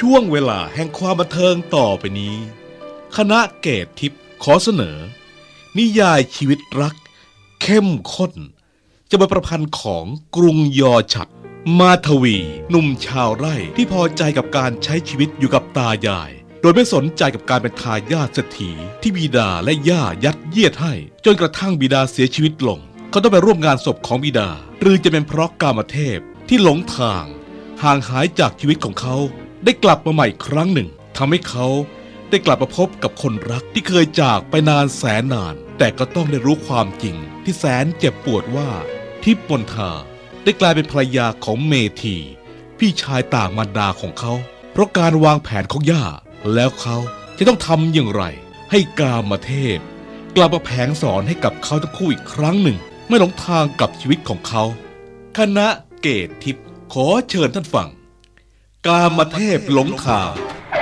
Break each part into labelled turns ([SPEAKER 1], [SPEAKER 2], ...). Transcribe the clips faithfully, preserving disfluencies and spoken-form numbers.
[SPEAKER 1] ช่วงเวลาแห่งความบันเทิงต่อไปนี้คณะเกตทิพย์ขอเสนอนิยายชีวิตรักเข้มข้นจะเป็นประพันธ์ของกรุงยอฉัตรมาทวีหนุ่มชาวไร่ที่พอใจกับการใช้ชีวิตอยู่กับตายายโดยไม่สนใจกับการเป็นทายาทเศรษฐีที่บิดาและย่ายัดเยียดให้จนกระทั่งบิดาเสียชีวิตลงเขาต้องไปร่วมงานศพของบิดาหรือจะเป็นเพราะกามเทพที่หลงทางห่างหายจากชีวิตของเขาได้กลับมาใหม่ครั้งหนึ่งทำให้เขาได้กลับมาพบกับคนรักที่เคยจากไปนานแสนนานแต่ก็ต้องได้รู้ความจริงที่แสนเจ็บปวดว่าทิพย์มนทาได้กลายเป็นภรรยาของเมธีพี่ชายต่างมารดาของเขาเพราะการวางแผนของย่าแล้วเขาจะต้องทำอย่างไรให้กามเทพกลับมาแผงสอนให้กับเขาทั้งคู่อีกครั้งหนึ่งไม่หลงทางกับชีวิตของเขาคณะเกตทิพย์ขอเชิญท่านฟังกามเทพหลงทาง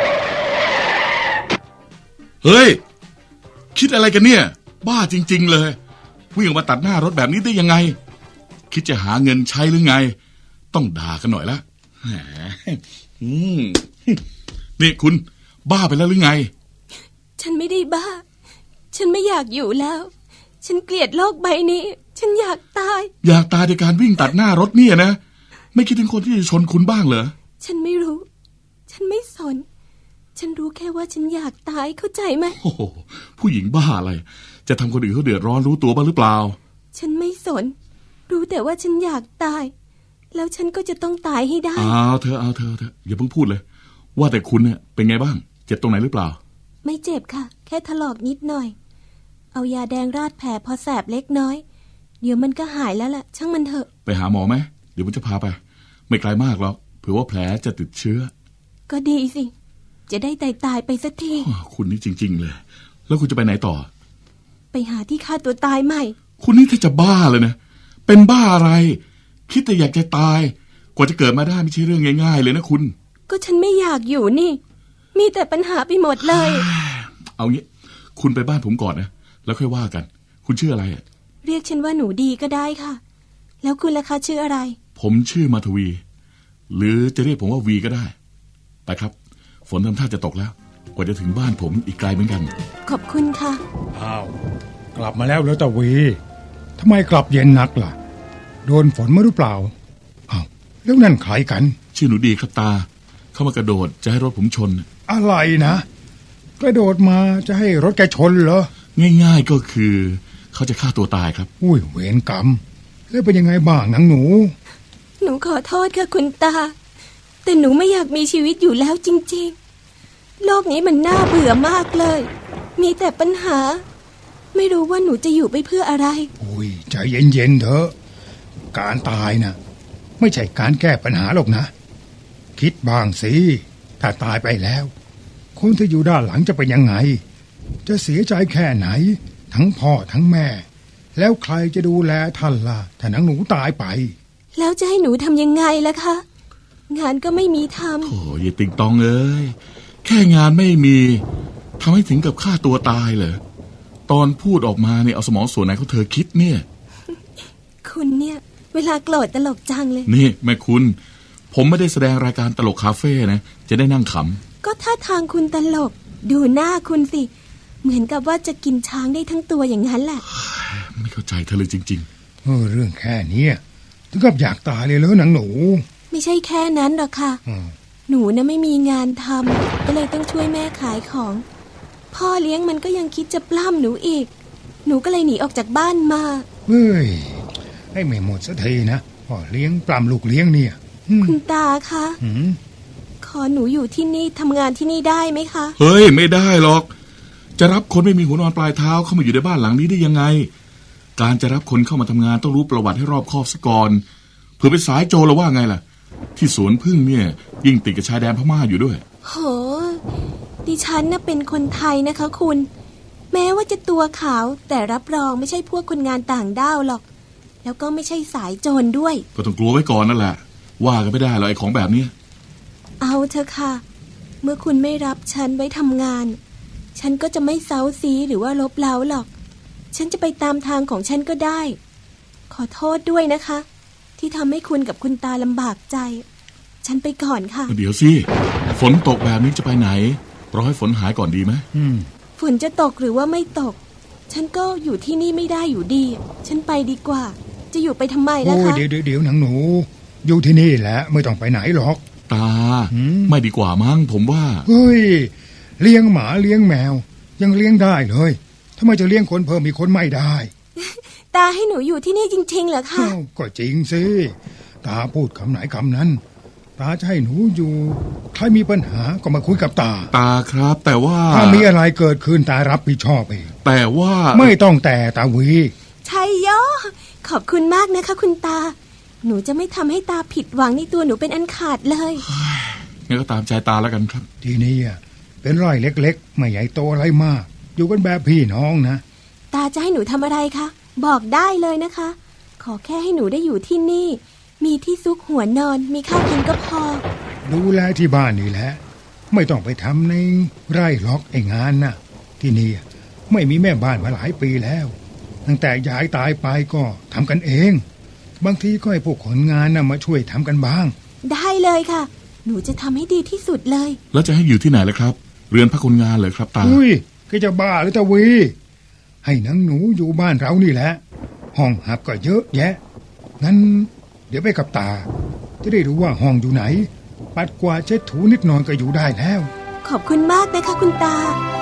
[SPEAKER 2] เฮ้ยคิดอะไรกันเนี่ยบ้าจริงๆเลยวิ่งออกมาตัดหน้ารถแบบนี้ได้ยังไงคิดจะหาเงินใช้หรือไงต้องด่ากันหน่อยละแหมอืมนี่คุณบ้าไปแล้วหรือไง
[SPEAKER 3] ฉันไม่ได้บ้าฉันไม่อยากอยู่แล้วฉันเกลียดโลกใบนี้ฉันอยากตาย
[SPEAKER 2] อยากตายในการวิ่งตัดหน้ารถเนี่ยนะไม่คิดถึงคนที่จะชนคุณบ้างเหรอ
[SPEAKER 3] ฉันไม่รู้ฉันไม่สนฉันรู้แค่ว่าฉันอยากตายเข้าใจไหม
[SPEAKER 2] โอ้โหผู้หญิงบ้าอะไรจะทำคนอื่นเขาเดือดร้อนรู้ตัวบ้างหรือเปล่า
[SPEAKER 3] ฉันไม่สนรู้แต่ว่าฉันอยากตายแล้วฉันก็จะต้องตายให้ได้
[SPEAKER 2] เอาเธอเอาเธอเธออย่าเพิ่งพูดเลยว่าแต่คุณเนี่ยเป็นไงบ้างเจ็บตรงไหนหรือเปล่า
[SPEAKER 3] ไม่เจ็บค่ะแค่ถลอกนิดหน่อยเอายาแดงราดแผลพอแสบเล็กน้อยเดี๋ยวมันก็หายแล้วล่ะช่างมันเถอะ
[SPEAKER 2] ไปหาหมอไหมเดี๋ยวผมจะพาไปไม่ไกลมากหรอกเผื่อว่าแผลจะติดเชื้อ
[SPEAKER 3] ก็ดีสิจะได้ตายตายไปสักที
[SPEAKER 2] คุณนี่จริงๆเลยแล้วคุณจะไปไหนต่อ
[SPEAKER 3] ไปหาที่ฆ่าตัวตายใหม่
[SPEAKER 2] คุณนี่ถ้าจะบ้าเลยนะเป็นบ้าอะไรคิดแต่อยากจะตายกว่าจะเกิดมาได้ไม่ใช่เรื่องง่ายๆเลยนะคุณ
[SPEAKER 3] ก็ฉันไม่อยากอยู่นี่มีแต่ปัญหาไปหมดเลย
[SPEAKER 2] เอางี้คุณไปบ้านผมก่อนนะแล้วค่อยว่ากันคุณชื่ออะไรอ่ะ
[SPEAKER 3] เรียกฉันว่าหนูดีก็ได้ค่ะแล้วคุณล่ะคะชื่ออะไร
[SPEAKER 2] ผมชื่อมาทวีหรือจะเรียกผมว่าวีก็ได้ไปครับฝนทำท่าจะตกแล้วกว่าจะถึงบ้านผมอีกไกลเหมือนกัน
[SPEAKER 3] ขอบคุณค่ะ
[SPEAKER 4] อ้าวกลับมาแล้วแล้วตาวีทำไมกลับเย็นนักล่ะโดนฝนมาหรือเปล่าอ้าวแล้วนั่นใครกัน
[SPEAKER 2] ชื่อหนูดีครับตาเข้ามากระโดดจะให้รถผมชน
[SPEAKER 4] อะไรนะกระโดดมาจะให้รถแกชนเหรอ
[SPEAKER 2] ง่ายๆก็คือเขาจะฆ่าตัวตายครับ
[SPEAKER 4] อุ้ยเวรกรรมแล้วเป็นยังไงบ้างนางหนู
[SPEAKER 3] หนูขอโทษค่ะคุณตาแต่หนูไม่อยากมีชีวิตอยู่แล้วจริงๆโลกนี้มันน่าเบื่อมากเลยมีแต่ปัญหาไม่รู้ว่าหนูจะอยู่ไปเพื่ออะไร
[SPEAKER 4] อุ้ยใจเย็นๆเถอะการตายนะไม่ใช่การแก้ปัญหาหรอกนะคิดบ้างสิถ้าตายไปแล้วคนที่อยู่ด้านหลังจะเป็นยังไงจะเสียใจแค่ไหนทั้งพ่อทั้งแม่แล้วใครจะดูแลท่านล่ะถ้านางหนูตายไป
[SPEAKER 3] แล้วจะให้หนูทำยังไงล่ะคะงานก็ไม่มีทำ
[SPEAKER 2] โอ้ยติงตองเอ้ยแค่งานไม่มีทำให้ถึงกับฆ่าตัวตายเหรอตอนพูดออกมาเนี่ยเอาสมองส่วนไหนของเธอคิดเนี่ย
[SPEAKER 3] คุณเนี่ยเวลาโกรธตลกจังเลย
[SPEAKER 2] นี่แม่คุณผมไม่ได้แสดงรายการตลกคาเฟ่นะจะได้นั่งข
[SPEAKER 3] ำก็ท่าทางคุณตลกดูหน้าคุณสิเหมือนกับว่าจะกินช้างได้ทั้งตัวอย่างนั้นแหละ
[SPEAKER 2] ไม่เข้าใจเธอเลยจริง
[SPEAKER 4] ๆเออเรื่องแค่นี้ถึงกับอยากตายเลยเหรอนางหนู
[SPEAKER 3] ไม่ใช่แค่นั้นหรอกค่ะหนูนะไม่มีงานทำก็เลยต้องช่วยแม่ขายของพ่อเลี้ยงมันก็ยังคิดจะปล้ำหนูอีกหนูก็เลยหนีออกจากบ้านมา
[SPEAKER 4] เฮ้ยให้ไม่หมดสักทีนะพ่อเลี้ยงปล้ำลูกเลี้ยงเนี่ย
[SPEAKER 3] คุณตาคะขอหนูอยู่ที่นี่ทำงานที่นี่ได้ไหมคะ
[SPEAKER 2] เฮ้ยไม่ได้หรอกจะรับคนไม่มีหัวนอนปลายเท้าเข้ามาอยู่ในบ้านหลังนี้ได้ยังไงการจะรับคนเข้ามาทำงานต้องรู้ประวัติให้รอบคอบซะก่อนเผื่อเป็นสายโจรแล้วว่าไงล่ะที่สวนพึ่งเนี่ยยิ่งติดกับชายแดนพม่าอยู่ด้วย
[SPEAKER 3] โหดิฉันน่ะเป็นคนไทยนะคะคุณแม้ว่าจะตัวขาวแต่รับรองไม่ใช่พวกคนงานต่างด้าวหรอกแล้วก็ไม่ใช่สายโจรด้วย
[SPEAKER 2] ก็ต้องกลัวไว้ก่อนนั่นแหละว่ากันไม่ได้หรอกไอ้ของแบบนี้
[SPEAKER 3] เอาเถอะค่ะเมื่อคุณไม่รับฉันไว้ทำงานฉันก็จะไม่เซ้าซีหรือว่าลบเล้าหรอกฉันจะไปตามทางของฉันก็ได้ขอโทษด้วยนะคะที่ทำให้คุณกับคุณตาลำบากใจฉันไปก่อนค่ะ
[SPEAKER 2] เดี๋ยวสิฝฝนตกแบบนี้จะไปไหนรอให้ฝนหายก่อนดีไหม
[SPEAKER 4] อืม
[SPEAKER 3] ฝนจะตกหรือว่าไม่ตก ฉันก็อยู่ที่นี่ไม่ได้อยู่ดี ฉันไปดีกว่า จะอยู่ไปทำไมล่ะ
[SPEAKER 4] โอ้ย
[SPEAKER 3] คะ
[SPEAKER 4] เดี๋ยวเดี๋ยวเดี๋ยวหนังหนู อยู่ที่นี่แหละไม่ต้องไปไหนหรอก
[SPEAKER 2] ตา
[SPEAKER 4] หืม
[SPEAKER 2] ไม่ดีกว่ามั้งผมว่า
[SPEAKER 4] เฮ้ย เลี้ยงหมาเลี้ยงแมว ยังเลี้ยงได้เลยทำไมจะเลี้ยงคนเพิ่มอีกคนไม่ได้
[SPEAKER 3] ตาให้หนูอยู่ที่นี่จริงๆเหรอคะ
[SPEAKER 4] อ้าวก็จริงสิตาพูดคำไหนคำนั้น ตาจะให้หนูอยู่ใครมีปัญหาก็มาคุยกับตา
[SPEAKER 2] ตาครับ แต่ว่า
[SPEAKER 4] ถ้ามีอะไรเกิดขึ้นตารับผิดชอบเอง
[SPEAKER 2] แต่ว่า
[SPEAKER 4] ไม่ต้องแต่ตาวี
[SPEAKER 3] ชัยโยขอบคุณมากนะคะ คุณตา หนูจะไม่ทำให้ตาผิดหวังในตัวหนูเป็นอันขาดเลย
[SPEAKER 2] งั้นก็ตามใจตาแล้วกันครับ
[SPEAKER 4] ที่นี่อ่ะเป็นไร่เล็กๆ ไม่ใหญ่โตอะไรมาก อยู่กันแบบพี่น้องนะ
[SPEAKER 3] ตาจะให้หนูทำอะไรคะบอกได้เลยนะคะ ขอแค่ให้หนูได้อยู่ที่นี่ มีที่ซุกหัวนอน มีข้าวกินก็พอ
[SPEAKER 4] ดูแลที่บ้านนี่แหละ ไม่ต้องไปทำในไร่ล็อกไอ้งานนะที่นี่ไม่มีแม่บ้านมาหลายปีแล้ว ตั้งแต่ยายตายไปก็ทำกันเอง บางทีก็ให้พวกคนงานนะมาช่วยทำกันบ้าง
[SPEAKER 3] ได้เลยค่ะ หนูจะทำให้ดีที่สุดเลย
[SPEAKER 2] แล้วจะให้อยู่ที่ไหนล่ะครับ เรือนพักคนงานเหรอครับตา
[SPEAKER 4] อุ้ยก็จะบ้าหรือตะวี ให้นางหนูอยู่บ้านเรานี่แหละ ห้องหับก็เยอะแยะ งั้น เดี๋ยวไปกับตา จะได้รู้ว่าห้องอยู่ไหน ปัดกวาดเช็ดถูนิดหน่อยก็อยู่ได้แล้ว
[SPEAKER 3] ขอบคุณมากนะคะคุณตา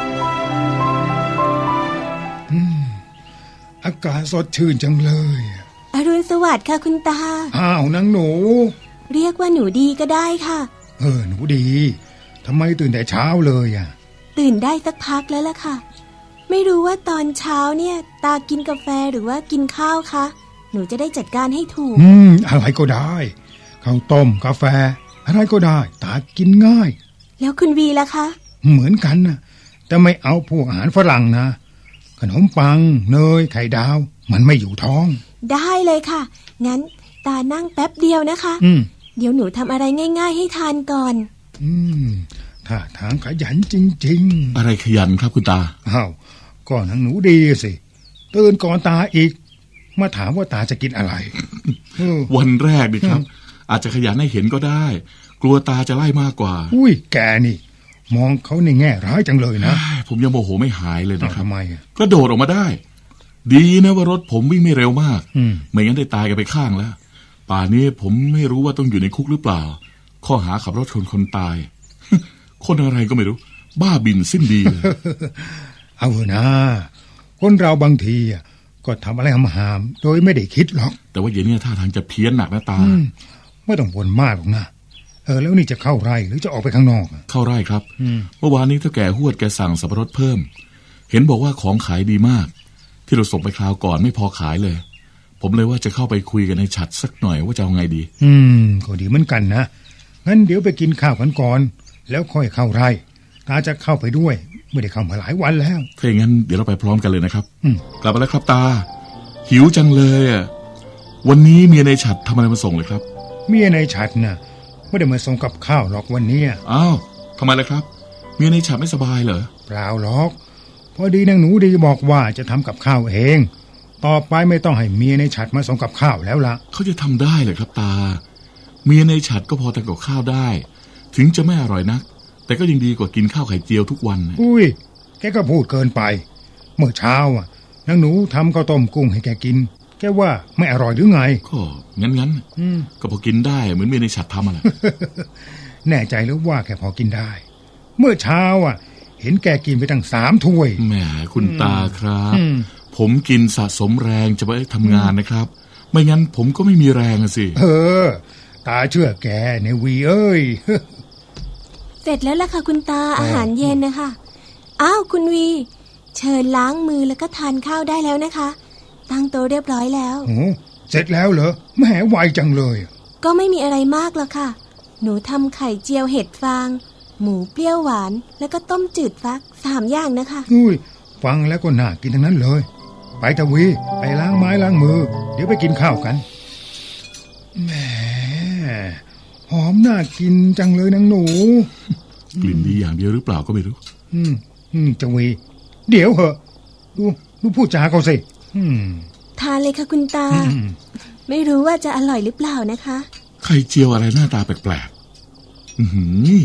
[SPEAKER 4] อากาศสดชื่นจังเลย
[SPEAKER 3] อรุณสวัสดิ์ค่ะคุณตา
[SPEAKER 4] อ้าวนางหนู
[SPEAKER 3] เรียกว่าหนูดีก็ได้ค่ะ
[SPEAKER 4] เออหนูดีทำไมตื่นแต่เช้าเลยอ่ะ
[SPEAKER 3] ตื่นได้สักพักแล้วล่ะค่ะ ไม่รู้ว่าตอนเช้าเนี่ย ตากินกาแฟหรือว่ากินข้าวคะหนูจะได้จัดการให้ถูก
[SPEAKER 4] อืมอะไรก็ได้ข้าวต้มกาแฟ อะไรก็ได้ ตากินง่าย
[SPEAKER 3] แล้วคุณวีล่ะคะ
[SPEAKER 4] เหมือนกันนะแต่ไม่เอาพวกอาหารฝรั่งนะ ขนมปัง เนย ไข่ดาว มันไม่อยู่ท้อง
[SPEAKER 3] ได้เลยค่ะ งั้นตานั่งแป๊บเดียวนะคะ
[SPEAKER 4] อืม
[SPEAKER 3] เดี๋ยวหนูทำอะไรง่าย ๆ ให้ทานก่อน
[SPEAKER 4] อืมถ้าทางขยันจริง
[SPEAKER 2] อะไรขยันครับคุณตา
[SPEAKER 4] ๆอ้าวก็นางหนูดีสิตื่นก่อนตาอีก มาถามว่าตาจะกินอะไรเออ
[SPEAKER 2] วันแรกดิครับ อาจจะขยันให้เห็นก็ได้ กลัวตาจะไล่มากกว่า
[SPEAKER 4] อุ้ยแกนี่ มองเขาในแง่ร้ายจังเลยนะ
[SPEAKER 2] ผมยังโมโหไม่หายเลย
[SPEAKER 4] อ้าว
[SPEAKER 2] นะครับ
[SPEAKER 4] ทำไมอ่ะ
[SPEAKER 2] กระโดดออกมาได้ ดีนะว่ารถผมวิ่งไม่เร็วมาก
[SPEAKER 4] อืม
[SPEAKER 2] ไม่งั้นได้ตายกันไปข้างแล้ว ป่านนี้ผมไม่รู้ว่าต้องอยู่ในคุกหรือเปล่า ข้อหาขับรถชนคนตาย คนอะไรก็ไม่รู้ บ้าบินสิ้นดีเลย
[SPEAKER 4] เอาเถอะนะคนเราบางทีอ่ะก็ทำอะไรหามๆโดยไม่ได้คิดหรอก
[SPEAKER 2] แต่ว่าเย็นนี้ท่าทางจะเพี้ยนหนักนะตา
[SPEAKER 4] อืมไม่ต้องบ่นมากหรอกนะเออแล้วนี่จะเข้าไร่หรือจะออกไปข้างนอกอ่ะ
[SPEAKER 2] เข้าไร่ครับ
[SPEAKER 4] อืม
[SPEAKER 2] เมื่อวานนี้เท่าแก่หวดแกสั่งสับปะรดเพิ่ม เห็นบอกว่าของขายดีมาก ที่เราส่งไปคราวก่อนไม่พอขายเลย ผมเลยว่าจะเข้าไปคุยกันในฉัดสักหน่อยว่าจะเอาไงดี
[SPEAKER 4] อืมก็ดีเหมือนกันนะงั้นเดี๋ยวไปกินข้าวกันก่อน แล้วค่อยเข้าไร่ตาจะเข้าไปด้วยไม่ได้เข้ามาหลายวันแล้ว
[SPEAKER 2] ถ้าอย่างนั้นเดี๋ยวเราไปพร้อมกันเลยนะครับ
[SPEAKER 4] อืม
[SPEAKER 2] กลับมาแล้วครับตา หิวจังเลยอ่ะวันนี้เมียในฉัดทำอะไรมาส่งเลยครับ
[SPEAKER 4] เมียในฉัดน่ะไม่ได้มาส่งกับข้าวหรอกวันเนี้ย
[SPEAKER 2] อ้าวทำไมล่ะครับ เมียในฉัดไม่สบายเหรอ
[SPEAKER 4] เปล่าหรอกพอดีนางหนูดีบอกว่าจะทำกับข้าวเอง ต่อไปไม่ต้องให้เมียในฉัดมาส่งกับข้าวแล้วล่ะ
[SPEAKER 2] เขาจะทำได้เหรอครับตา เมียในฉัดก็พอทำกับข้าวได้ ถึงจะไม่อร่อยนัก แต่ก็ยังดีกว่ากินข้าวไข่เจียวทุกวันนะ
[SPEAKER 4] อุ้ยแกก็พูดเกินไป เมื่อเช้าอ่ะนางหนูทำข้าวต้มกุ้งให้แกกิน แกว่าไม่อร่อยหรือไง
[SPEAKER 2] ก็งั้นงั้นๆ
[SPEAKER 4] อืม
[SPEAKER 2] ก็พอกินได้เหมือนเมียในฉัดทำอะแหละ
[SPEAKER 4] แน่ใจหรือว่าแกพอกินได้ เมื่อเช้าอ่ะ เห็นแกกินไปตั้งสามถ้วย
[SPEAKER 2] แหมคุณตาครับ
[SPEAKER 4] อืม
[SPEAKER 2] ผมกินสะสมแรงจะไปทำงานนะครับ ไม่งั้นผมก็ไม่มีแรงอะสิ
[SPEAKER 4] เออ ตาเชื่อแกในวีเอ้ย
[SPEAKER 3] เสร็จแล้วล่ะค่ะคุณตาอาหารเย็นนะคะ อ้าวคุณวี เชิญล้างมือแล้วก็ทานข้าวได้แล้วนะคะ ตั้งโต๊ะเรียบร้อยแล้ว
[SPEAKER 4] โอ้เสร็จแล้วเหรอแหมไวจังเลย
[SPEAKER 3] ก็ไม่มีอะไรมากหรอกค่ะ หนูทำไข่เจียวเห็ดฟาง หมูเปรี้ยวหวาน แล้วก็ต้มจืดฟักสามอย่างนะคะ
[SPEAKER 4] อุ้ยฟังแล้วก็น่ากินทั้งนั้นเลย ไปตะวีไปล้างไม้ล้างมือ เดี๋ยวไปกินข้าวกันแหมหอมน่ากินจังเลยนางหนู
[SPEAKER 2] กลิ่นดีอย่างเดียวหรือเปล่าก็ไม่รู้
[SPEAKER 4] อืมอืมจังวี เดี๋ยวเหอะดูดูพูดจาเขาสิอืม
[SPEAKER 3] ทานเลยค่ะคุณตา
[SPEAKER 4] อืม
[SPEAKER 3] ไม่รู้ว่าจะอร่อยหรือเปล่านะคะ
[SPEAKER 2] ไข่เจียวอะไรหน้าตาแปลกๆ อือหือ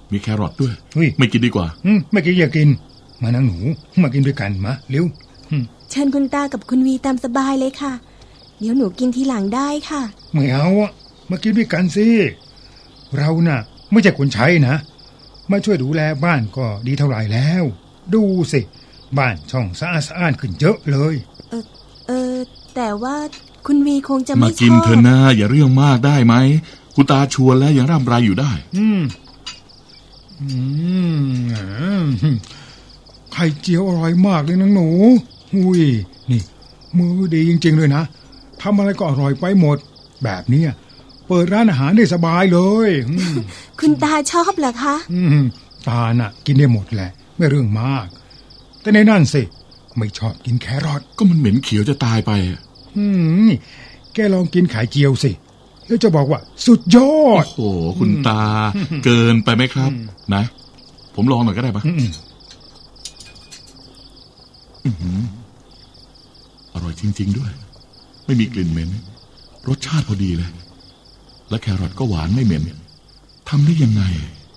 [SPEAKER 2] มีแครอทด้วย
[SPEAKER 4] เฮ้ย
[SPEAKER 2] ไม่กินดีกว่า
[SPEAKER 4] อืมไม่กินอย่ากิน มานั่งหนูมากินด้วยกันมาเร็วอืม
[SPEAKER 3] เชิญคุณตากับคุณวีตามสบายเลยค่ะ เดี๋ยวหนูกินทีหลังได้ค่ะ
[SPEAKER 4] ไม่เอาอะมากินด้วยกันสิเราน่ะ ไม่ใช่คนใช้นะมาช่วยดูแลบ้านก็ดีเท่าไหร่แล้ว ดูสิบ้านช่องสะอาดสะอ้านขึ้นเยอะเลย
[SPEAKER 3] เออเออแต่ว่าคุณวีคงจะ
[SPEAKER 2] มา
[SPEAKER 3] ไม่ช
[SPEAKER 2] กิน
[SPEAKER 3] อบ
[SPEAKER 2] เถอะนะอย่าเรื่องมากได้ไหมคุณตาชวนแล้วยังร่ำไรอยู่ได้
[SPEAKER 4] อืมอืมอ่าไข่เจียวอร่อยมากเลยนังหนูอุ้ยนี่ มือดีจริงๆเลยนะทำอะไรก็อร่อยไปหมด แบบเนี้ยเปิดร้านอาหารได้สบายเลยอืม
[SPEAKER 3] คุณตาชอบเหรอคะ
[SPEAKER 4] อืมตาน่ะ กินได้หมดแหละ ไม่เรื่องมาก แต่ในนั่นสิ ไม่ชอบกินแครอท
[SPEAKER 2] ก็มันเหม็นเขียวจะตายไปอะ
[SPEAKER 4] อืมแกลองกินไข่เจียวสิ แล้วจะบอกว่า สุดยอ
[SPEAKER 2] โอ้
[SPEAKER 4] ด
[SPEAKER 2] โหคุณตา เกินไปไหมครับ นะ ผมลองหน่อยก็ได้ปะ
[SPEAKER 4] อืม
[SPEAKER 2] อื้อหืออร่อยจริง ๆด้วย ไม่มีกลิ่นเหม็นรสชาติพอดีเลย และแครอทก็หวานไม่เหม็นทำได้ยังไง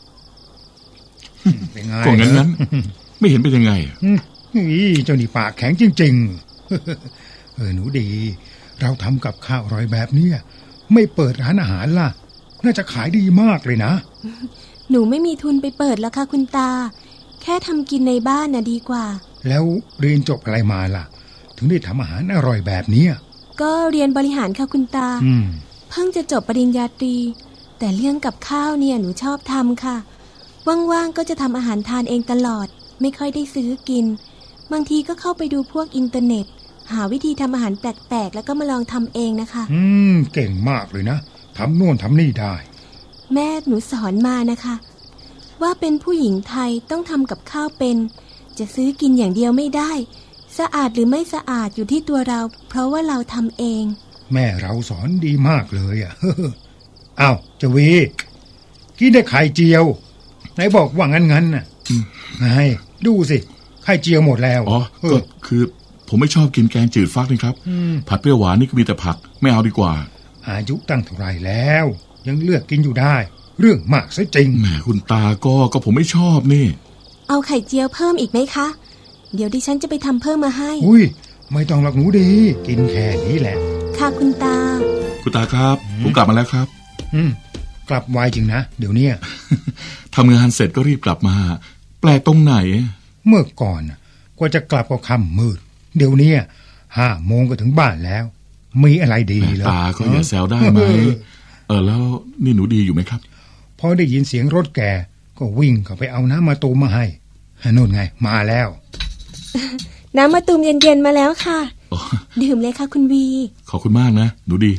[SPEAKER 4] เป็นไง
[SPEAKER 2] ก็งั้นงั้นๆไม่เห็นเป็นยังไงอะ
[SPEAKER 4] อืมนี่เจ้านี่ปากแข็งจริง ๆ เออหนูดี เราทำกับข้าวอร่อยแบบเนี้ยไม่เปิดร้านอาหารล่ะ น่าจะขายดีมากเลยนะ
[SPEAKER 3] หนูไม่มีทุนไปเปิดแล้วค่ะคุณตา แค่ทำกินในบ้านน่ะดีกว่า
[SPEAKER 4] แล้วเรียนจบอะไรมาล่ะ ถึงได้ทำอาหารอร่อยแบบเนี้ย
[SPEAKER 3] ก็เรียนบริหารค่ะคุณตา
[SPEAKER 4] อืม
[SPEAKER 3] เพิ่งจะจบปริญญาตรี แต่เรื่องกับข้าวเนี่ยหนูชอบทำค่ะ ว่างๆก็จะทำอาหารทานเองตลอด ไม่ค่อยได้ซื้อกิน บางทีก็เข้าไปดูพวกอินเทอร์เน็ต หาวิธีทำอาหารแปลกๆ แล้วก็มาลองทำเองนะคะ
[SPEAKER 4] อืม เก่งมากเลยนะทำโน่นทำนี่ได้
[SPEAKER 3] แม่หนูสอนมานะคะ ว่าเป็นผู้หญิงไทยต้องทำกับข้าวเป็น จะซื้อกินอย่างเดียวไม่ได้ สะอาดหรือไม่สะอาดอยู่ที่ตัวเรา เพราะว่าเราทำเอง
[SPEAKER 4] แม่เราสอนดีมากเลยอ่ะ อ้าวเจาวีกินได้ไข่เจียว ไหนบอกว่างั้นงั้นน่ะไงดูสิ ไข่เจียวหมดแล้ว
[SPEAKER 2] อ๋อ
[SPEAKER 4] เอ
[SPEAKER 2] ก็
[SPEAKER 4] อ
[SPEAKER 2] คือผมไม่ชอบกินแกงจืดฟักนี่ครับ ผัดเปรี้ยวหวานนี่ก็มีแต่ผัก ไม่เอาดีกว่า
[SPEAKER 4] อายุตั้งเท่าไหรแล้ว ยังเลือกกินอยู่ได้ เรื่องมากซะจริง
[SPEAKER 2] แหมคุณตาก็ก็ผมไม่ชอบนี่
[SPEAKER 3] เอาไข่เจียวเพิ่มอีกไหมคะ เดี๋ยวดิฉันจะไปทำเพิ่มมาให้
[SPEAKER 4] อุ้ย ไม่ต้องหรอกหนูดี กินแค่นี้แหละ
[SPEAKER 3] ค่ะคุณตา
[SPEAKER 2] คุณตาครับ ผมกลับมาแล้วครับ
[SPEAKER 4] อืม กลับไวจริงนะ เดี๋ยวเนี้ย
[SPEAKER 2] ทำงานเสร็จก็รีบกลับมา แปลกตรงไหน
[SPEAKER 4] เมื่อก่อนน่ะกว่าจะกลับก็ค่ำมืด เดี๋ยวเนี้ยห้าโมงก็ถึงบ้านแล้ว มีอะไรดีเหรอ
[SPEAKER 2] ตาก็อย่าแซวได้ไหม เออแล้วนี่หนูดีอยู่ไหมครับ
[SPEAKER 4] พอได้ยินเสียงรถแกก็วิ่งเข้าไปเอาน้ำมาตูมมาให้นู่นไง มาแล้ว
[SPEAKER 3] น้ำมะตูมเย็นๆมาแล้วค่ะ
[SPEAKER 2] อ๋อ
[SPEAKER 3] ดื่มเลยค่ะคุณวี
[SPEAKER 2] ขอบคุณมากนะ หนูดี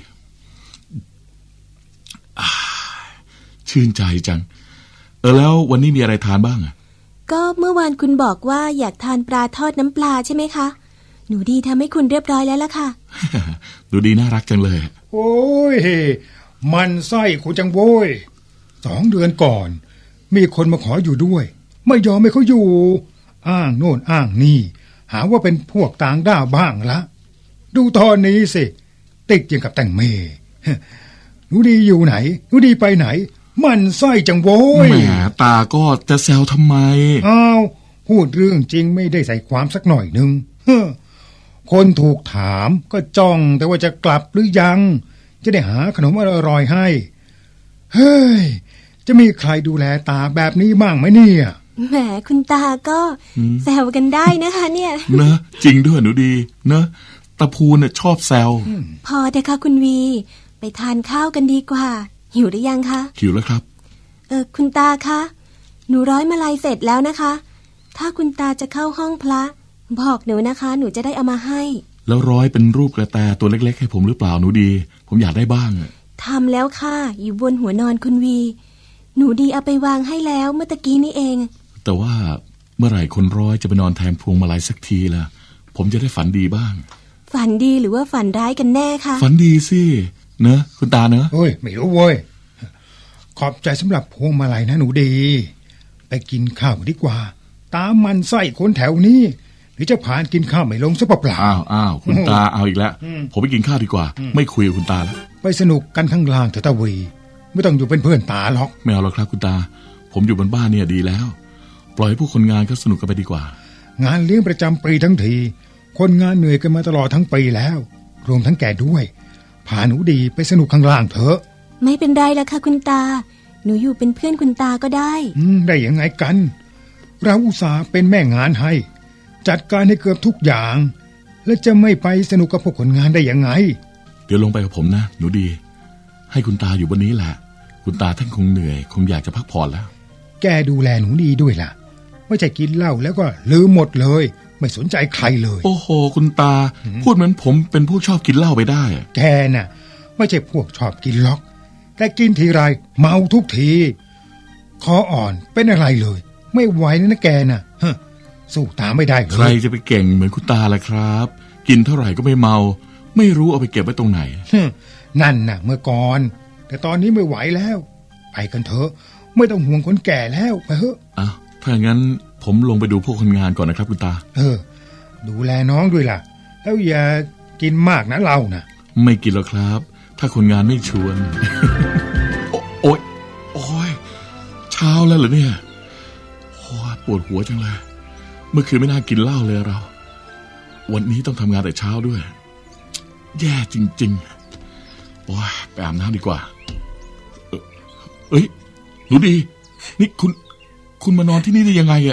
[SPEAKER 2] อ่าชื่นใจจัง เออแล้ววันนี้มีอะไรทานบ้างอะ
[SPEAKER 3] ก็เมื่อวานคุณบอกว่าอยากทานปลาทอดน้ำปลาใช่ไหมคะ หนูดีทำให้คุณเรียบร้อยแล้วล่ะค่ะ
[SPEAKER 2] หนูดีน่ารักจังเลย
[SPEAKER 4] โอ้ย มันไส้คุณจังโว้ยสองเดือนก่อน มีคนมาขออยู่ด้วย ไม่ยอมให้เขาอยู่ อ้างโน่นอ้างนี่ หาว่าเป็นพวกต่างด้าวบ้างละ ดูตอนนี้สิ ติดอย่างกับแต่งเมหนูดีอยู่ไหนหนูดีไปไหน มันไส้จังโว้ย
[SPEAKER 2] แหมตาก็จะแซวทำไม
[SPEAKER 4] อ้าวพูดเรื่องจริงไม่ได้ใส่ความสักหน่อยหนึ่งเฮ้อคนถูกถามก็จ้องแต่ว่าจะกลับหรือยัง จะได้หาขนมอร่อยๆให้ เฮ้ย จะมีใครดูแลตาแบบนี้บ้างไหมเนี่ย
[SPEAKER 3] แหมคุณตาก็แซวกันได้นะคะเนี่ย
[SPEAKER 2] เนอะจริงด้วยหนูดี เนอะตาพูนน่ะชอบแซว
[SPEAKER 3] พอเถอะค่ะคุณวี ไปทานข้าวกันดีกว่า หิวหรือยังคะ
[SPEAKER 2] หิวแล้วครับ
[SPEAKER 3] เออคุณตาคะ หนูร้อยมาลัยเสร็จแล้วนะคะ ถ้าคุณตาจะเข้าห้องพระ บอกหนูนะคะ หนูจะได้เอามาให้
[SPEAKER 2] แล้วร้อยเป็นรูปกระแตตัวเล็กๆให้ผมหรือเปล่าหนูดี ผมอยากได้บ้างอะ
[SPEAKER 3] ทำแล้วค่ะ อยู่บนหัวนอนคุณวี หนูดีเอาไปวางให้แล้วเมื่อตะกี้นี้เอง
[SPEAKER 2] แต่ว่าเมื่อไหร่คนร้อยจะไปนอนแทนพวงมาลัยสักทีล่ะ ผมจะได้ฝันดีบ้าง
[SPEAKER 3] ฝันดีหรือว่าฝันร้ายกันแน่คะ
[SPEAKER 2] ฝันดีสิ เนอะคุณตาเนอะ
[SPEAKER 4] เฮ้ย ไม่รู้เว้ย ขอบใจสำหรับพวงมาลัยนะหนูดี ไปกินข้าวดีกว่า ตามมันไส้คนแถวนี้ หรือจะผ่านกินข้าวไม่ลงซะเปล่า
[SPEAKER 2] อ้าวอ้าวคุณตาเอาอีกแล้ว ผมไปกินข้าวดีกว่า ไม่คุยกับคุณตาแล้ว
[SPEAKER 4] ๆไปสนุกกันข้างล่างเถอะตาวี ไม่ต้องอยู่เป็นเพื่อนตาหรอก
[SPEAKER 2] ไม่เอาหรอกครับคุณตาผมอยู่บนบ้านเนี่ยดีแล้วปล่อยให้ผู้คนงานก็สนุกกันไปดีกว่าง
[SPEAKER 4] านเลี้ยงประจำปีทั้งทีคนงานเหนื่อยกันมาตลอดทั้งปีแล้วรวมทั้งแกด้วยพาหนูดีไปสนุกข้างล่างเถอะ
[SPEAKER 3] ไม่เป็นไรละค่ะคุณตา หนูอยู่เป็นเพื่อนคุณตาก็ได้
[SPEAKER 4] อืมได้ยังไงกัน เราอุตส่าห์เป็นแม่งานให้ จัดการให้เกือบทุกอย่าง แล้วจะไม่ไปสนุกกับพวกคนงานได้ยังไง
[SPEAKER 2] เดี๋ยวลงไปกับผมนะหนูดีให้คุณตาอยู่บนนี้แหละคุณตาท่านคงเหนื่อยคงอยากจะพักผ่อนแล้ว
[SPEAKER 4] แกดูแลหนูดีด้วยล่ะไม่ใช่กินเหล้าแล้วก็ลืมหมดเลยไม่สนใจใครเลย
[SPEAKER 2] โอ้โหคุณตาพูดเหมือนผมเป็นผู้ชอบกินเหล้าไปได้
[SPEAKER 4] แกน่ะไม่ใช่พวกชอบกินล็อกแต่กินทีไรเมาทุกทีคออ่อนเป็นอะไรเลยไม่ไหวนะแกน่ะฮะสู้ตาไม่ได้เลย
[SPEAKER 2] ใครจะไปเก่งเหมือนคุณตาล่ะครับกินเท่าไหร่ก็ไม่เมาไม่รู้เอาไปเก็บไว้ตรงไหน
[SPEAKER 4] นั่นน่ะเมื่อก่อนแต่ตอนนี้ไม่ไหวแล้วไปกันเถอะไม่ต้องห่วงคนแก่แล้วไปเถอะ
[SPEAKER 2] อ้าวถ้าอย่างนั้นผมลงไปดูพวกคนงานก่อนนะครับคุณตา
[SPEAKER 4] เออดูแลน้องด้วยล่ะแล้วอย่ากินมากนะเรานะ
[SPEAKER 2] ไม่กินหรอกครับถ้าคนงานไม่ชวน โอ๊ยโอ๊ยเช้าแล้วเหรอเนี่ยโอ้ปวดหัวจังเลยเมื่อคืนไม่น่ากินเหล้าเลยเราวันนี้ต้องทำงานแต่เช้าด้วยแย่จริงๆโอ้ยไปอาบน้ำดีกว่าเออเอ้ยหนูดีนี่คุณคุณมานอนที่นี่ได้ยังไงอะ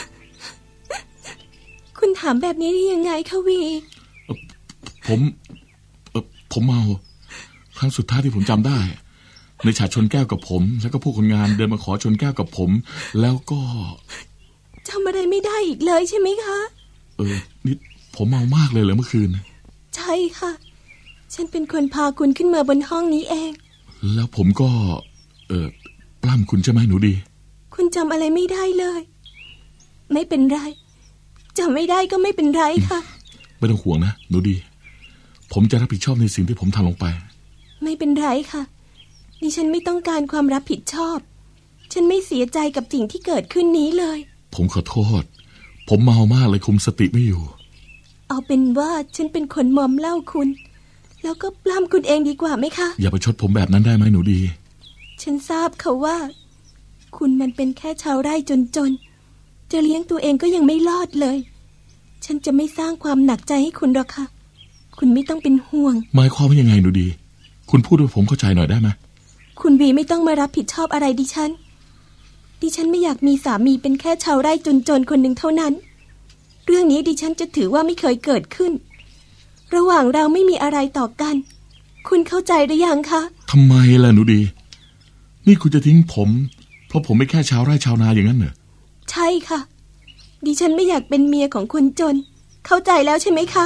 [SPEAKER 3] คุณถามแบบนี้ได้ยังไงคะวี
[SPEAKER 2] ผมเออผมเมาครั้งสุดท้ายที่ผมจำได้ในฉากชนแก้วกับผมแล้วก็พวกคนงานเดินมาขอชนแก้วกับผมแล้วก็
[SPEAKER 3] จำอะไรไม่ได้อีกเลยใช่ไหมคะ
[SPEAKER 2] เออนี่ผมเมามากเลยเหรอเมื่อคืน
[SPEAKER 3] ใช่ค่ะฉันเป็นคนพาคุณขึ้นมาบนห้องนี้เอง
[SPEAKER 2] แล้วผมก็เออปล้ำคุณใช่ไหมหนูดี
[SPEAKER 3] คุณจำอะไรไม่ได้เลยไม่เป็นไรจำไม่ได้ก็ไม่เป็นไรค่ะ
[SPEAKER 2] ไม่ต้องห่วงนะหนูดีผมจะรับผิดชอบในสิ่งที่ผมทำลงไป
[SPEAKER 3] ไม่เป็นไรค่ะดิฉันไม่ต้องการความรับผิดชอบฉันไม่เสียใจกับสิ่งที่เกิดขึ้นนี้เลย
[SPEAKER 2] ผมขอโทษผมเมามากเลยคุมสติไม่อยู่
[SPEAKER 3] เอาเป็นว่าฉันเป็นคนมอมเหล้าคุณแล้วก็ปล้ำคุณเองดีกว่าไหมคะ
[SPEAKER 2] อย่าไปชดผมแบบนั้นได้ไหมหนูดี
[SPEAKER 3] ฉันทราบค่ะว่าคุณมันเป็นแค่ชาวไร่จนๆจะเลี้ยงตัวเองก็ยังไม่รอดเลยฉันจะไม่สร้างความหนักใจให้คุณหรอกค่ะคุณไม่ต้องเป็นห่วง
[SPEAKER 2] หมายความว่ายังไงหนูดีคุณพูดให้ผมเข้าใจหน่อยได้ไหม
[SPEAKER 3] คุณวีไม่ต้องมารับผิดชอบอะไรดิฉันดิฉันไม่อยากมีสามีเป็นแค่ชาวไร่จนๆคนหนึ่งเท่านั้นเรื่องนี้ดิฉันจะถือว่าไม่เคยเกิดขึ้นระหว่างเราไม่มีอะไรต่อกันคุณเข้าใจหรือยังคะ
[SPEAKER 2] ทำไมล่ะหนูดีนี่คุณจะทิ้งผมเพราะผมไม่แค่ชาวไร่ชาวนาอย่างนั้นเหรอ
[SPEAKER 3] ใช่ค่ะดิฉันไม่อยากเป็นเมียของคนจนเข้าใจแล้วใช่ไหมคะ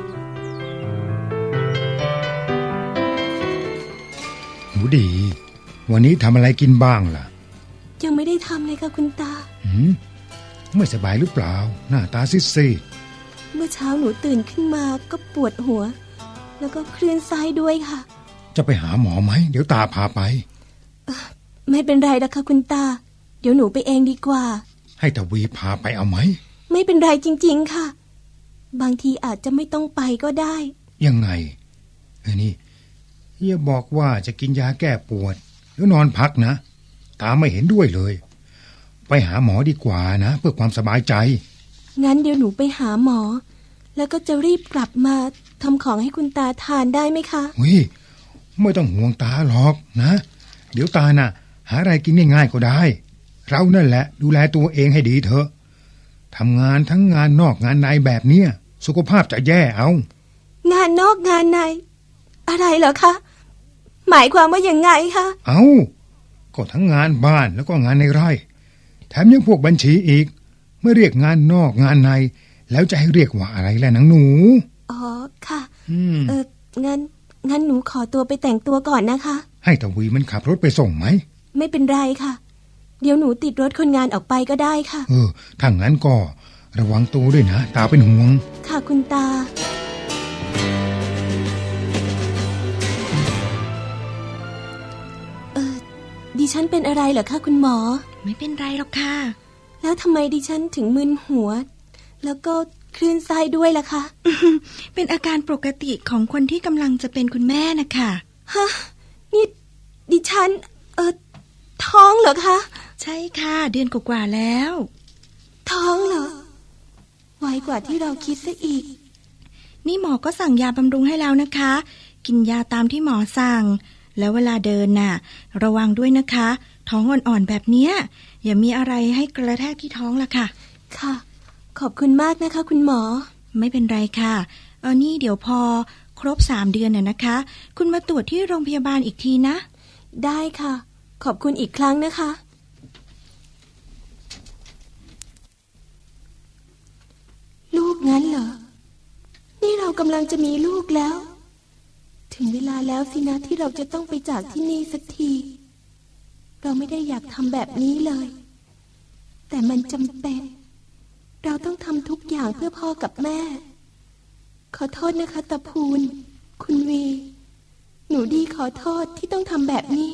[SPEAKER 4] หนูดีวันนี้ทำอะไรกินบ้างล่ะ
[SPEAKER 3] ยังไม่ได้ทำเลยค่ะคุณตา
[SPEAKER 4] หืมไม่สบายหรือเปล่าหน้าตาซีด
[SPEAKER 3] ๆเมื่อเช้าหนูตื่นขึ้นมาก็ปวดหัวแล้วก็คลื่นไส้ด้วยค่ะ
[SPEAKER 4] จะไปหาหมอไหมเดี๋ยวตาพาไป
[SPEAKER 3] ไม่เป็นไรนะคะคุณตาเดี๋ยวหนูไปเองดีกว่า
[SPEAKER 4] ให้ทวีพาไปเอาไหม
[SPEAKER 3] ไม่เป็นไรจริงๆค่ะบางทีอาจจะไม่ต้องไปก็ได้
[SPEAKER 4] ยังไงเอ้นี่อย่าบอกว่าจะกินยาแก้ปวดแล้วนอนพักนะตาไม่เห็นด้วยเลยไปหาหมอดีกว่านะเพื่อความสบายใจ
[SPEAKER 3] งั้นเดี๋ยวหนูไปหาหมอแล้วก็จะรีบกลับมาทำของให้คุณตาทานได้ไหมคะ
[SPEAKER 4] เฮ้ยไม่ต้องห่วงตาหรอกนะเดี๋ยวตาน่ะหาอะไรกินง่ายๆก็ได้เรานั่นแหละดูแลตัวเองให้ดีเถอะทำงานทั้งงานนอกงานในแบบเนี้ยสุขภาพจะแย่เอา
[SPEAKER 3] งานนอกงานในอะไรเหรอคะหมายความว่าอย่างไงคะ
[SPEAKER 4] เอาก็ทั้งงานบ้านแล้วก็งานในไร่แถมยังพวกบัญชีอีกเมื่อเรียกงานนอกงานในแล้วจะให้เรียกว่าอะไรล่ะนังหนู
[SPEAKER 3] อ๋อค่ะเอองั้นงั้นหนูขอตัวไปแต่งตัวก่อนนะคะ
[SPEAKER 4] ให้ตะวีมันขับรถไปส่งไหม
[SPEAKER 3] ไม่เป็นไรค่ะเดี๋ยวหนูติดรถคนงานออกไปก็ได้ค่ะ
[SPEAKER 4] เออถ้างั้นก็ระวังตัวด้วยนะตาเป็นห่วง
[SPEAKER 3] ค่ะคุณตาเออดิฉันเป็นอะไรเหรอคะคุณหมอ
[SPEAKER 5] ไม่เป็นไรหรอกค่ะ
[SPEAKER 3] แล้วทำไมดิฉันถึงมึนหัวแล้วก็คลื่นไส้ด้วยล่ะคะ
[SPEAKER 5] เป็นอาการปกติของคนที่กำลังจะเป็นคุณแม่นะคะ
[SPEAKER 3] ฮะนี่ดิฉันเออท้องเหรอคะ
[SPEAKER 5] ใช่ค่ะ เดือนกว่าๆแล้ว
[SPEAKER 3] ท้องเหรอ ไวกว่าที่เราคิดซะอีก
[SPEAKER 5] นี่หมอก็สั่งยาบำรุงให้แล้วนะคะ กินยาตามที่หมอสั่ง แล้วเวลาเดินน่ะ ระวังด้วยนะคะ ท้องอ่อนๆแบบเนี้ยอย่ามีอะไรให้กระแทกที่ท้องล่ะค่ะ
[SPEAKER 3] ค่ะ ขอบคุณมากนะคะ คุณหมอ
[SPEAKER 5] ไม่เป็นไรค่ะ เออนี่เดี๋ยวพอครบสามเดือนน่ะนะคะ คุณมาตรวจที่โรงพยาบาลอีกทีนะ
[SPEAKER 3] ได้ค่ะ ขอบคุณอีกครั้งนะคะ ลูกงั้นเหรอ นี่เรากำลังจะมีลูกแล้ว ถึงเวลาแล้วสินะที่เราจะต้องไปจากที่นี่สักที เราไม่ได้อยากทำแบบนี้เลย แต่มันจำเป็น เราต้องทำทุกอย่างเพื่อพ่อกับแม่ ขอโทษนะคะตาพูน คุณวี หนูดีขอโทษที่ต้องทำแบบนี้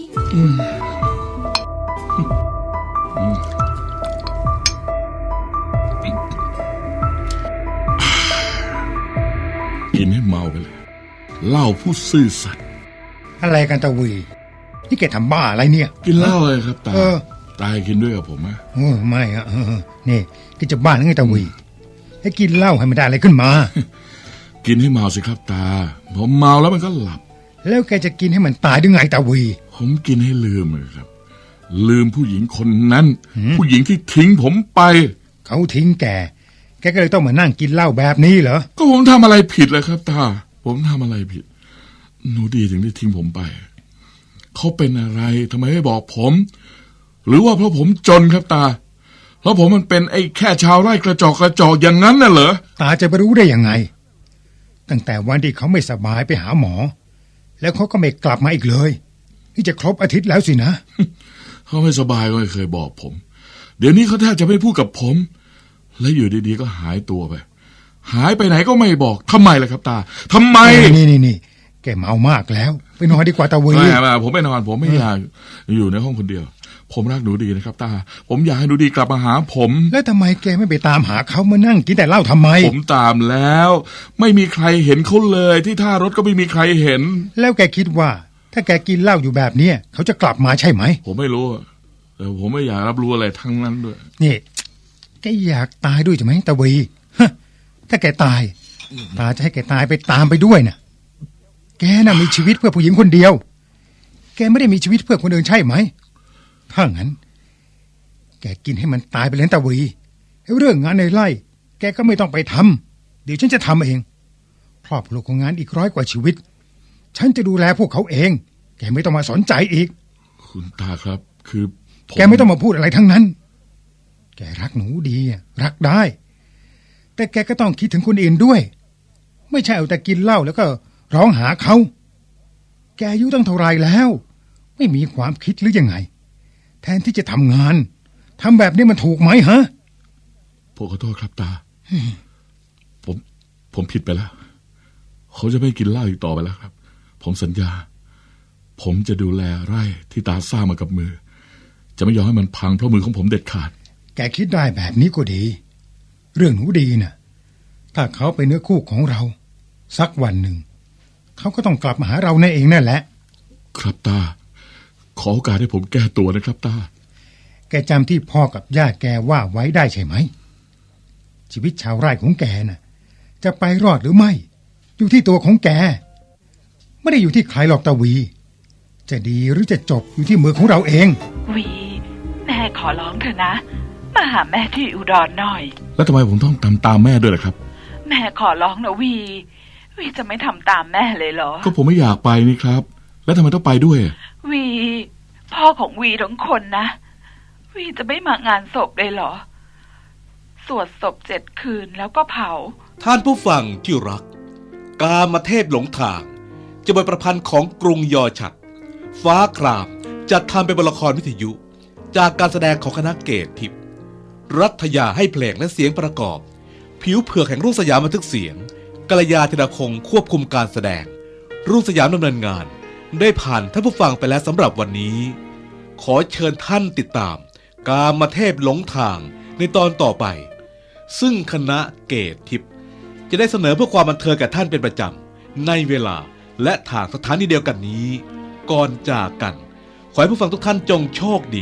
[SPEAKER 2] กินให้เมาไปเลยเหล้าผู้ซื่อสัตย์
[SPEAKER 4] อะไรกันตะวีนี่แกทำบ้าอะไรเนี่ย
[SPEAKER 2] กินเหล้าเลยครับตา
[SPEAKER 4] เออ
[SPEAKER 2] ตากินด้วยกับผมไหม
[SPEAKER 4] โอ้ไม่อะเออนี่แกจะบ้าหรือไงตะวีให้กินเหล้าให้มันได้อะไรขึ้นมา
[SPEAKER 2] กินให้เมาสิครับตาผมเมาแล้วมันก็หลับ
[SPEAKER 4] แล้วแกจะกินให้มันตายได้ไงตะวี
[SPEAKER 2] ผมกินให้ลืมเลยครับ ลืมผู้หญิงคนนั้น
[SPEAKER 4] หืม
[SPEAKER 2] ผู้หญิงที่ทิ้งผมไป
[SPEAKER 4] เขาทิ้งแก แกก็เลยต้องมานั่งกินเหล้าแบบนี้เหรอ
[SPEAKER 2] ก็ผมทำอะไรผิดเลยครับตา ผมทำอะไรผิด หนูดีถึงได้ทิ้งผมไป เขาเป็นอะไรทำไมไม่บอกผม หรือว่าเพราะผมจนครับตา แล้วผมมันเป็นไอ้แค่ชาวไร่กระจอกกระจอกอย่างนั้นน่ะเหรอ
[SPEAKER 4] ตาจะไปรู้ได้ยังไง ตั้งแต่วันที่เขาไม่สบายไปหาหมอ แล้วเขาก็ไม่กลับมาอีกเลย นี่จะครบอาทิตย์แล้วสินะ
[SPEAKER 2] เขาไม่สบายก็ไม่เคยบอกผม เดี๋ยวนี้เขาแทบจะไม่พูดกับผม แล้วอยู่ดีๆก็หายตัวไป หายไปไหนก็ไม่บอกทำไมล่ะครับตาทำไม
[SPEAKER 4] นี่นี่นี่แกเมามากแล้ว ไปนอนดีกว่าตะวี
[SPEAKER 2] ไม่ไม่ผมไม่นอนผมไม่อยากอยู่ในห้องคนเดียว ผมรักหนูดีนะครับตา ผมอยากให้หนูดีกลับมาหาผม
[SPEAKER 4] แล้วทำไมแกไม่ไปตามหาเขามานั่งกินแต่เหล้าทำไม
[SPEAKER 2] ผมตามแล้ว ไม่มีใครเห็นเขาเลยที่ท่ารถก็ไม่มีใครเห็น
[SPEAKER 4] แล้วแกคิดว่า ถ้าแกกินเหล้าอยู่แบบเนี้ยเขาจะกลับมาใช่ไหม
[SPEAKER 2] ผมไม่รู้อะแต่ผมไม่อยากรับรู้อะไรทั้งนั้นด้วย
[SPEAKER 4] นี่แกอยากตายด้วยใช่ไหมตะวีฮะถ้าแกตาย ตาจะให้แกตายไปตามไปด้วยนะแกน่ะมีชีวิตเพื่อผู้หญิงคนเดียว แกไม่ได้มีชีวิตเพื่อคนอื่นใช่ไหมถ้างั้น แกกินให้มันตายไปเลยตะวีเรื่องงานในไร่แกก็ไม่ต้องไปทำเดี๋ยวฉันจะทำเองครอบครัวของงานอีกร้อยกว่าชีวิต ฉันจะดูแลพวกเขาเอง แกไม่ต้องมาสนใจอีก
[SPEAKER 2] คุณตาครับ คือผม
[SPEAKER 4] แกไม่ต้องมาพูดอะไรทั้งนั้น แกรักหนูดีอะรักได้ แต่แกก็ต้องคิดถึงคนอื่นด้วย ไม่ใช่เอาแต่กินเหล้าแล้วก็ร้องหาเขา แกอายุตั้งเท่าไรแล้ว ไม่มีความคิดหรือยังไง แทนที่จะทำงานทำแบบนี้มันถูกไหมฮะ
[SPEAKER 2] ผมขอโทษครับตา ผม ผมผิดไปแล้ว เขาจะไม่กินเหล้าอีกต่อไปแล้วครับ ผมสัญญา ผมจะดูแลไร่ที่ตาสร้างมากับมือ จะไม่ยอมให้มันพังเพราะมือของผมเด็ดขาด
[SPEAKER 4] แกคิดได้แบบนี้ก็ดี เรื่องหนูดีน่ะ ถ้าเขาเป็นเนื้อคู่ของเรา สักวันหนึ่ง เขาก็ต้องกลับมาหาเราแน่เองนั่นแหละ
[SPEAKER 2] ครับตา ขอโอกาสให้ผมแก้ตัวนะครับตา
[SPEAKER 4] แกจำที่พ่อกับย่าแกว่าไว้ได้ใช่ไหม ชีวิตชาวไร่ของแกน่ะ จะไปรอดหรือไม่ อยู่ที่ตัวของแก ไม่ได้อยู่ที่ใครหรอกตาวี จะดีหรือจะจบอยู่ที่มือของเราเอง
[SPEAKER 6] วี แม่ขอร้องเถอะนะ มาหาแม่ที่อุดรหน่อย
[SPEAKER 2] แล้วทำไมผมต้องตามตามแม่ด้วยล่ะครับ
[SPEAKER 6] แม่ขอร้องนะวี วีจะไม่ทำตามแม่เลยเหรอ
[SPEAKER 2] ก็ผมไม่อยากไปนี่ครับ แล้วทำไมต้องไปด้วย
[SPEAKER 6] วี พ่อของวีทั้งคนนะ วีจะไม่มางานศพเลยเหรอ สวดศพเจ็ดคืนแล้วก็เผา
[SPEAKER 1] ท่านผู้ฟังที่รัก กามเทพหลงทาง จะเป็นประพันธ์ของกรุงยอฉัตรฟ้าครามจัดทำเป็นบทละครวิทยุ จากการแสดงของคณะเกตทิพย์รัฐยาให้เพลงและเสียงประกอบ ผิวเผือกแห่งรุ่งสยามบันทึกเสียงกัลยาธิดาคงควบคุมการแสดง รุ่งสยามดำเนินงาน ได้ผ่านท่านผู้ฟังไปแล้วสำหรับวันนี้ ขอเชิญท่านติดตาม กามเทพหลงทางในตอนต่อไป ซึ่งคณะเกตทิพย์จะได้เสนอเพื่อความบันเทิงแก่ท่านเป็นประจำในเวลาและทางสถานีเดียวกันนี้ ก่อนจากกัน ขอให้ผู้ฟังทุกท่านจงโชคดี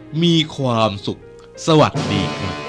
[SPEAKER 1] มีความสุข สวัสดีครับ